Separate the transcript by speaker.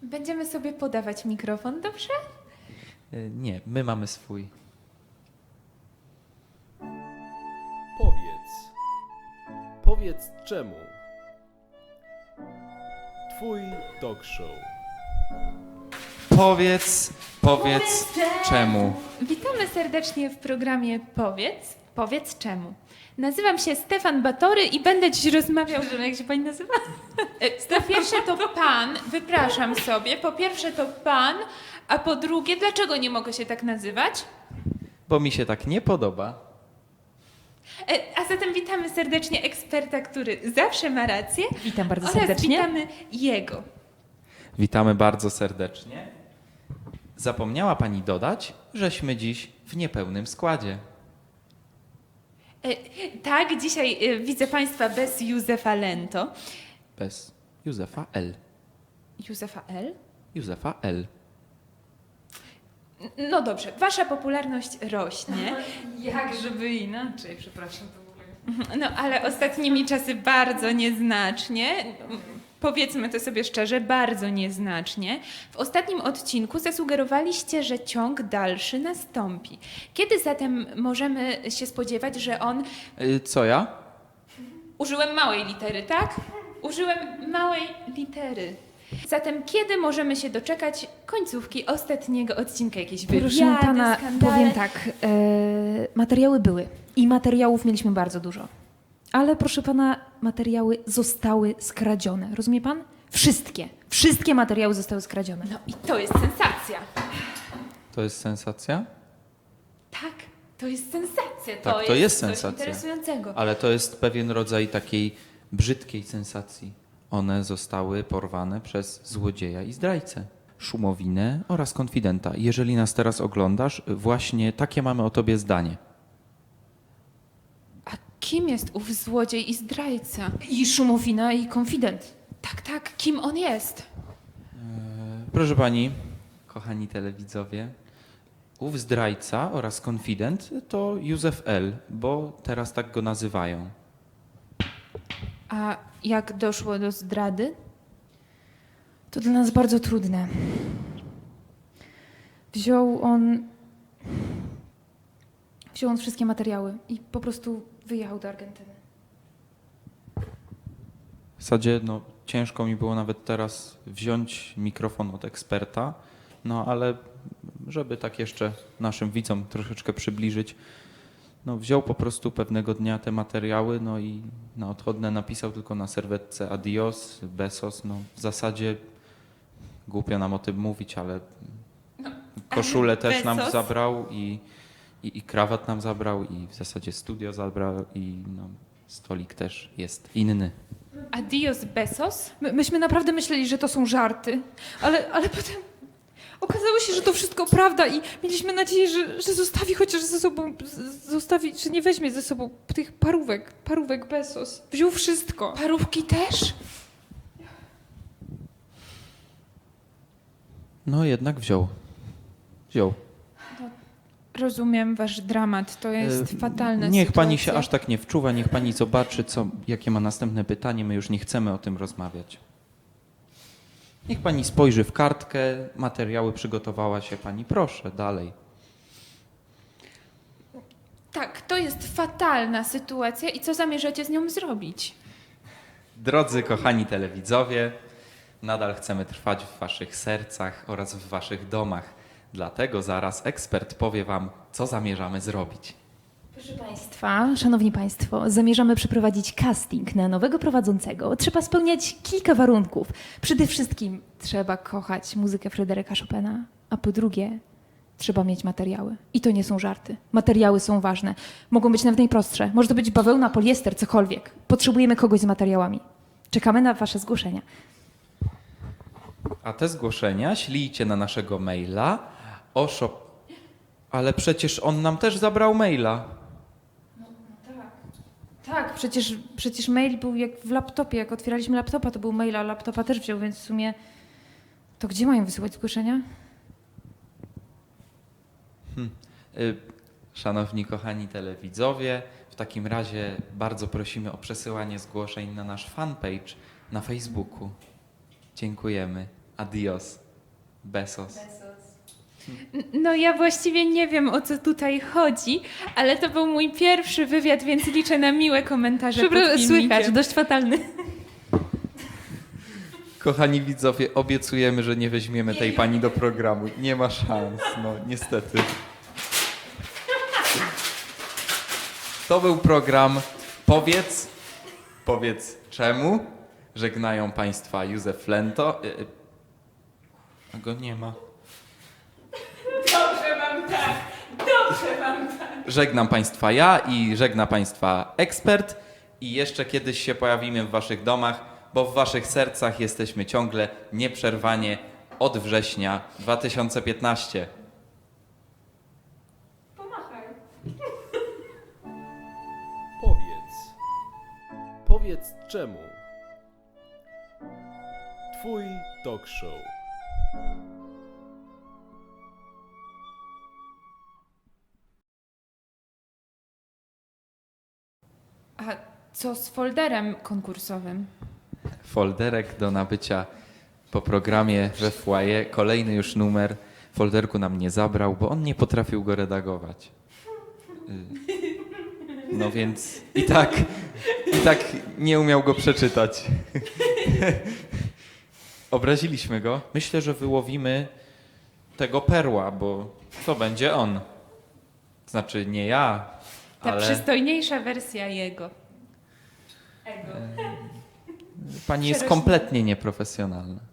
Speaker 1: Będziemy sobie podawać mikrofon, dobrze?
Speaker 2: Nie, my mamy swój.
Speaker 3: Powiedz czemu. Twój talk show.
Speaker 2: Powiedz czemu.
Speaker 1: Witamy serdecznie w programie Powiedz czemu. Nazywam się Stefan Batory i będę dziś rozmawiał, jak się pani nazywa? Po pierwsze to pan, wypraszam sobie, po pierwsze to pan, a po drugie, dlaczego nie mogę się tak nazywać?
Speaker 2: Bo mi się tak nie podoba.
Speaker 1: A zatem witamy serdecznie eksperta, który zawsze ma rację.
Speaker 4: Witam bardzo
Speaker 1: Oraz
Speaker 4: serdecznie.
Speaker 1: witamy jego.
Speaker 2: Witamy bardzo serdecznie. Zapomniała pani dodać, żeśmy dziś w niepełnym składzie.
Speaker 1: Tak, dzisiaj widzę państwa bez Józefa Lento.
Speaker 2: Bez Józefa L.
Speaker 1: Józefa L?
Speaker 2: Józefa L.
Speaker 1: No dobrze, wasza popularność rośnie.
Speaker 4: Jak żeby inaczej, przepraszam. To w ogóle...
Speaker 1: No ale ostatnimi czasy bardzo nieznacznie. Powiedzmy to sobie szczerze, bardzo nieznacznie. W ostatnim odcinku zasugerowaliście, że ciąg dalszy nastąpi. Kiedy zatem możemy się spodziewać, że on...
Speaker 2: Co ja?
Speaker 1: Użyłem małej litery, tak? Użyłem małej litery. Zatem kiedy możemy się doczekać końcówki ostatniego odcinka? Jakieś wywiady,
Speaker 4: Proszę pana,
Speaker 1: skandale?
Speaker 4: powiem tak, materiały były i materiałów mieliśmy bardzo dużo. Ale proszę pana, materiały zostały skradzione. Rozumie pan? Wszystkie materiały zostały skradzione.
Speaker 1: No i to jest sensacja.
Speaker 2: To jest sensacja?
Speaker 1: Tak, to jest sensacja.
Speaker 2: Tak, to jest
Speaker 1: coś
Speaker 2: sensacja.
Speaker 1: interesującego.
Speaker 2: Ale to jest pewien rodzaj takiej brzydkiej sensacji. One zostały porwane przez złodzieja i zdrajcę. Szumowinę oraz konfidenta. Jeżeli nas teraz oglądasz, właśnie takie mamy o tobie zdanie.
Speaker 1: A kim jest ów złodziej i zdrajca?
Speaker 4: I Szumowina, i konfident.
Speaker 1: Tak, kim on jest?
Speaker 2: Proszę pani, kochani telewidzowie, ów zdrajca oraz konfident to Józef L., bo teraz tak go nazywają.
Speaker 1: A jak doszło do zdrady?
Speaker 4: To dla nas bardzo trudne. Wziął on wszystkie materiały i po prostu wyjechał do Argentyny.
Speaker 2: W zasadzie ciężko mi było nawet teraz wziąć mikrofon od eksperta, ale żeby tak jeszcze naszym widzom troszeczkę przybliżyć, wziął po prostu pewnego dnia te materiały, i na odchodne napisał tylko na serwetce adios, besos. W zasadzie głupio nam o tym mówić, ale koszulę też nam
Speaker 1: Bezos?
Speaker 2: zabrał i krawat nam zabrał i w zasadzie studio zabrał i stolik też jest inny.
Speaker 1: Adios Bezos?
Speaker 4: Myśmy naprawdę myśleli, że to są żarty, ale potem okazało się, że to wszystko prawda i mieliśmy nadzieję, że zostawi chociaż ze sobą, że nie weźmie ze sobą tych parówek Bezos. Wziął wszystko.
Speaker 1: Parówki też?
Speaker 2: Jednak wziął.
Speaker 1: Rozumiem wasz dramat, to jest fatalna
Speaker 2: Niech
Speaker 1: sytuacja.
Speaker 2: pani się aż tak nie wczuwa, niech pani zobaczy, jakie ma następne pytanie. My już nie chcemy o tym rozmawiać. Niech pani spojrzy w kartkę, materiały przygotowała się pani. Proszę, dalej.
Speaker 1: Tak, to jest fatalna sytuacja i co zamierzacie z nią zrobić?
Speaker 2: Drodzy kochani telewidzowie, nadal chcemy trwać w waszych sercach oraz w waszych domach. Dlatego zaraz ekspert powie wam, co zamierzamy zrobić.
Speaker 4: Proszę Państwa, Szanowni Państwo, zamierzamy przeprowadzić casting na nowego prowadzącego. Trzeba spełniać kilka warunków. Przede wszystkim trzeba kochać muzykę Fryderyka Chopina, a po drugie trzeba mieć materiały. I to nie są żarty. Materiały są ważne. Mogą być nawet najprostsze. Może to być bawełna, poliester, cokolwiek. Potrzebujemy kogoś z materiałami. Czekamy na Wasze zgłoszenia.
Speaker 2: A te zgłoszenia ślijcie na naszego maila Ale przecież on nam też zabrał maila.
Speaker 4: Tak, przecież mail był jak w laptopie. Jak otwieraliśmy laptopa, to był mail, a laptopa też wziął, więc w sumie to gdzie mają wysyłać zgłoszenia?
Speaker 2: Szanowni kochani telewidzowie, w takim razie bardzo prosimy o przesyłanie zgłoszeń na nasz fanpage na Facebooku. Dziękujemy. Adios. Besos.
Speaker 1: No ja właściwie nie wiem, o co tutaj chodzi, ale to był mój pierwszy wywiad, więc liczę na miłe komentarze pod filmikiem.
Speaker 4: Słychać, dość fatalny.
Speaker 2: Kochani widzowie, obiecujemy, że nie weźmiemy tej pani do programu. Nie ma szans, no niestety. To był program Powiedz czemu. Żegnają Państwa Józef Flento. A go nie ma.
Speaker 1: Dobrze wam tak, dobrze wam tak.
Speaker 2: Żegnam Państwa ja i żegna Państwa ekspert. I jeszcze kiedyś się pojawimy w Waszych domach, bo w Waszych sercach jesteśmy ciągle nieprzerwanie od września 2015.
Speaker 1: Pomachaj.
Speaker 3: Powiedz czemu. Twój talk show.
Speaker 1: A co z folderem konkursowym?
Speaker 2: Folderek do nabycia po programie we foyer. Kolejny już numer. Folderku nam nie zabrał, bo on nie potrafił go redagować. No więc i tak nie umiał go przeczytać. Obraziliśmy go. Myślę, że wyłowimy tego perła, bo to będzie on. Znaczy nie ja,
Speaker 1: Ta
Speaker 2: ale
Speaker 1: przystojniejsza wersja jego. Ego.
Speaker 2: pani jest
Speaker 1: Przerośnie.
Speaker 2: kompletnie nieprofesjonalna.